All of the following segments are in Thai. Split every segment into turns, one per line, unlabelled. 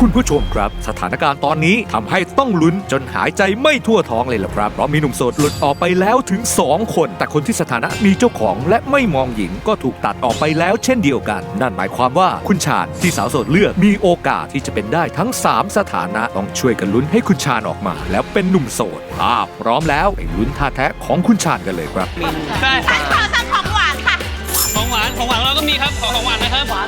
คุณผู้ชมครับสถานการณ์ตอนนี้ทำให้ต้องลุ้นจนหายใจไม่ทั่วท้องเลยล่ะครับเพราะมีหนุ่มโสดหลุดออกไปแล้วถึง2 คนแต่คนที่สถานะมีเจ้าของและไม่มองหญิงก็ถูกตัดออกไปแล้วเช่นเดียวกันนั่นหมายความว่าคุณชาญที่สาวโสดเลือกมีโอกาสที่จะเป็นได้ทั้ง3 สถานะต้องช่วยกันลุ้นให้คุณชาญออกมาแล้วเป็นหนุ่มโสดพร้อมแล้วไปลุ้นท่าแท้ของคุณชาญกันเลยครับ
ได้
ฉันขอสั่งของหวานค่ะ
ของหวานเราก็มีครับของหวานนะครับหวาน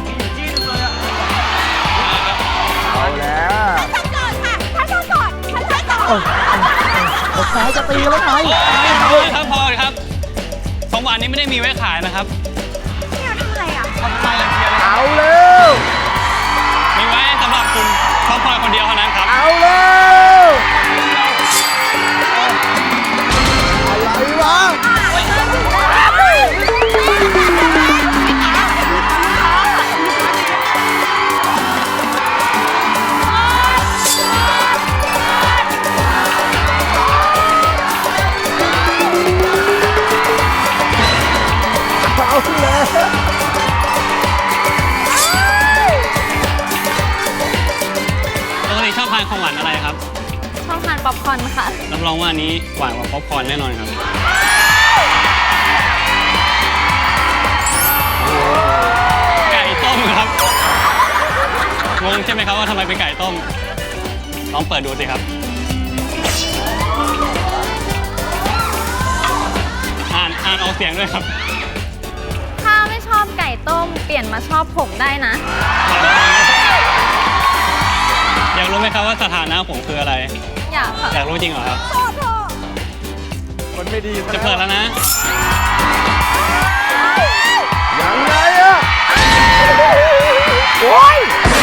เอาแล้ว
ฉันโสดค่ะฉันโสดฉันโสด
สายจะตีแล้วไง
พอเลยครับของหวานนี้ไม่ได้มีไว้ขายนะครับ
นี่เราทำอะไรอ่ะ
เอาเร็ว
มีไว้สำหรับคุณครอบครัวคนเดียวเท่านั้นครับ
เอาเร็วอะไรวะเอาแล้ว
ปกติชอบทานของหวานอะไรครับ
ชอบทานป๊อปคอร์นค่ะ
รับรองว่าอันนี้หวานกว่าป๊อปคอร์นแน่นอนครับไก่ต้มครับงงใช่ไหมครับว่าทำไมเป็นไก่ต้มลองเปิดดูสิครับอ่านออกเสียงด้วยครับ
ถ้าไม่ชอบไก่ต้มเปลี่ยนมาชอบผมได้นะ
อยากรู้ไหมครับว่าสถานะผมคืออะไร
อยากค่ะ
อยากรู้จริงเหรอครับ
คนไม่ดี
จะเปิดแล้วนะ
ยังไงอะโอ้ย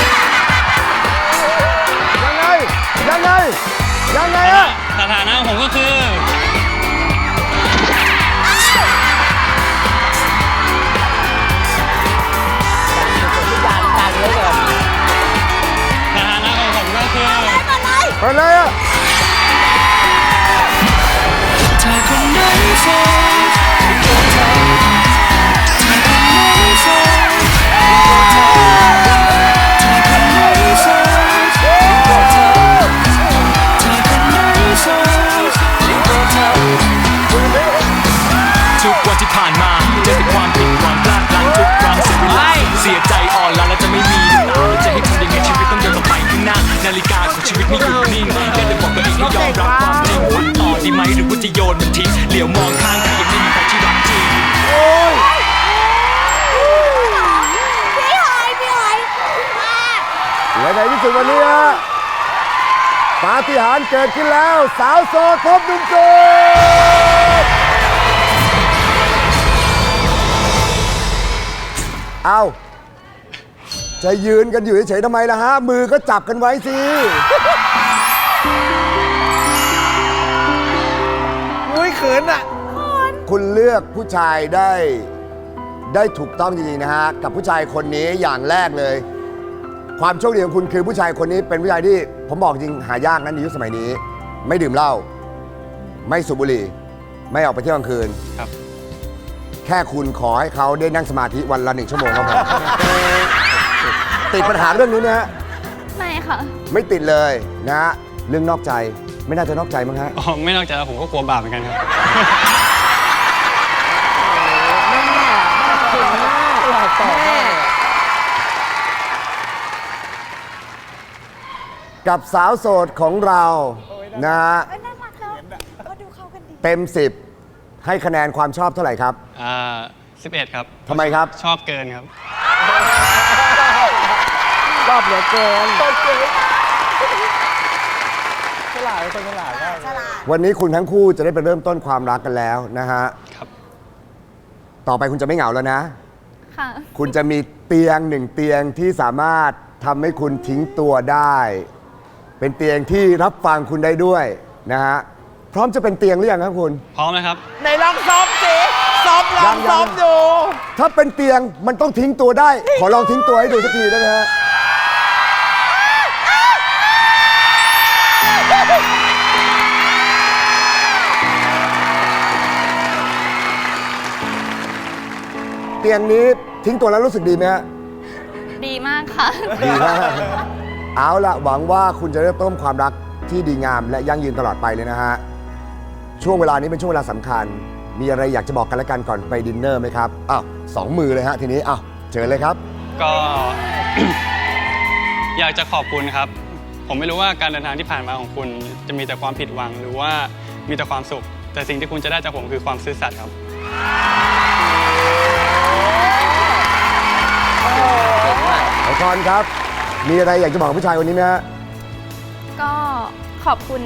ยังไงยังไงยังไงอะ
สถานะผมก็คือสถานะของผมก็คือ
เปิดเลยอะ
ถ้าคนไหนโสดก็เธอถ้าคนไหนโสดถ้าคนไหนโสดก็เธอถ้าคนไหนโสดก็เธอ
ทุกวันที่ผ่านมาเจอแต่ความผิดหวังพลาดพลั้งทุกครั้งเสียเวลาเสียใจอ่อนล้าและจะไม่มีน้ำตาแล้วจะให้ทำยังไงชีวิตต้องเดินต่อไปข้างหน้านาฬิกาของชีวิตไม่หยุดนิ่งแค่เลยบอกตัวเองให้ยอมรับความจริงวันต่อดีไหมหรือว่าจะโยนมันทิ้งเหลียวมองข้างทางยังไม่มีใครที่รักจริง
โอ้ย
พี่หอยมา
และในที่สุดวันนี้ฮะปาฏิหาริย์เกิดขึ้นแล้วสาวโสดพบหนุ่มโสดเอาจะยืนกันอยู่เฉยๆทำไมล่ะฮะ มือก็จับกันไว้สิ
มุ้ยเขินอ่ะ
คุณเลือกผู้ชายได้ถูกต้องจริงๆนะฮะ กับผู้ชายคนนี้อย่างแรกเลย ความโชคดีของคุณคือผู้ชายคนนี้เป็นผู้ชายที่ผมบอกจริงหายากนะในยุคสมัยนี้ ไม่ดื่มเหล้าไม่สูบบุหรี่ ไม่ออกไปเที่ยวกลางคืน
ครับ
แค่คุณขอให้เขาได้นั่งสมาธิวันละ1 ชั่วโมงก็พอ ติดปัญหาเรื่องนี้นะฮะ
ไม่ค่ะ
ไม่ติดเลยนะฮะเรื่องนอกใจไม่น่าจะนอกใจมั้งฮะ
อ๋อไม่นอกจากผมก็กลัวบาปเหมือนกันครับ
กับสาวโสดของเรานะฮะ
น่ารักเนาะก็ดูเข้ากันดี
เต็ม 10 ให้คะแนนความชอบเท่าไหร่ครับ
11 ครับ
ทำไมครับ
ชอบเกินครับ
ชอบเหลือเกิน
ฉลาดเป็นคนฉลาดมาก
ฉลาด
วันนี้คุณทั้งคู่จะได้ไปเริ่มต้นความรักกันแล้วนะฮะ
ครับ
ต่อไปคุณจะไม่เหงาแล้วนะ
ค่ะ
คุณจะมีเตียง1 เตียงที่สามารถทำให้คุณทิ้งตัวได้ เป็นเตียงที่รับฟังคุณได้ด้วยนะฮะ พร้อมจะเป็นเตียงหรือยังครับคุณ
พร้อมนะครับ
ในลองซ้อมสิซ้อมลองซ้อมดู
ถ้าเป็นเตียงมันต้องทิ้งตัวได้ ขอลองทิ้งตัวให้ดูสักทีได้ไหมฮะ เตียงนี้ทิ้งตัวแล้วรู้สึกดีไหมฮะ
ดีมากค่ะ
ดีมากเอาละหวังว่าคุณจะเริ่มต้นความรักที่ดีงามและยั่งยืนตลอดไปเลยนะฮะ ช่วงเวลานี้เป็นช่วงเวลาสำคัญ มีอะไรอยากจะบอกกันและกันก่อนไปดินเนอร์ไหมครับ อ้าว2 มือเลยฮะทีนี้อ้าวเชิญเลยครับ
ก็ อยากจะขอบคุณครับ ผมไม่รู้ว่าการเดินทางที่ผ่านมาของคุณจะมีแต่ความผิดหวังหรือว่ามีแต่ความสุข แต่สิ่งที่คุณจะได้จากผมคือความซื่อสัตย์ครับ
ไอคอนครับ มีอะไรอยากจะบอกผู้ชายคนนี้ไหมฮะ
ก็ขอบคุณ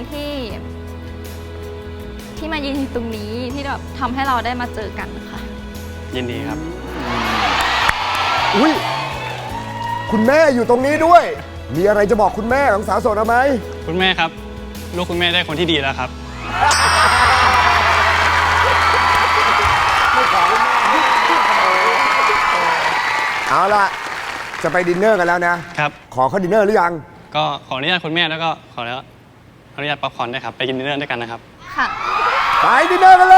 ที่มายืนอยู่ตรงนี้ที่แบบทำให้เราได้มาเจอกันค่ะ
ยินดีครับ
อุ้ยคุณแม่อยู่ตรงนี้ด้วย มีอะไรจะบอกคุณแม่ของสาวโสดเราไหม
คุณแม่ครับ ลูกคุณแม่ได้คนที่ดีแล้วครับ
เอาล่ะ จะไปดินเนอร์กันแล้วนะ
ครับ
ขอเข้าดินเนอร์หรือยัง
ก็ขออนุญาตคุณแม่แล้วก็ขออนุญาตป๊อปคอร์นด้วยครับ ไปกินดินเนอร์ด้วยกันนะครับ
ค่ะ
ไปดินเนอร์กันเลย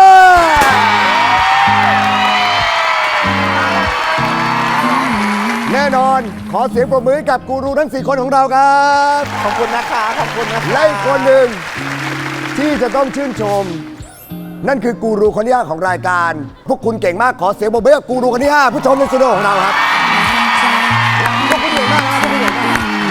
แน่นอนขอเสียงปรบมือให้กับกูรูทั้ง 4 คนของเราครับ
ขอบคุณนะคะขอบคุณนะคะ
และอีกคนหนึ่งที่จะต้องชื่นชม นั่นคือกูรูคนที่ 5 ของรายการ พวกคุณเก่งมากขอเสียงปรบมือให้กับกูรูคนที่ 5 ผู้ชมในสตูดิโอของเราครับพวกคุณเก่งมากนะครับพวกคุณเก่งมาก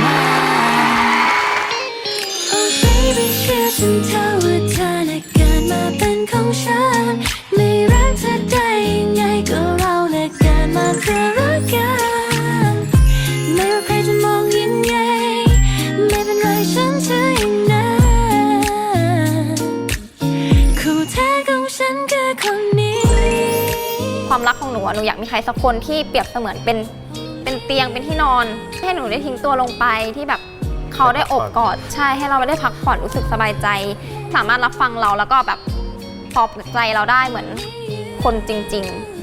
Oh baby เชื่อฉันเธอว่าเธอน่ะเกิดมาเป็นของฉันไม่รักเธอได้ยังไงก็เราน่ะเกิดมาเพื่อรักกันไม่ว่าใครจะมองยังไงไม่เป็นไรฉันเชื่ออย่างนั้นคู่แท้ของฉันคือคนนี้
ความรักของหนูอะหนูอยากมีใครสักคนที่เปรียบเสมือนเป็นเตียงเป็นที่นอน ให้หนูได้ทิ้งตัวลงไปที่แบบเขาได้อบกอดใช่ให้เราได้พักผ่อนรู้สึกสบายใจ สามารถรับฟังเราแล้วก็แบบปลอบใจเราได้เหมือนคนจริง ๆ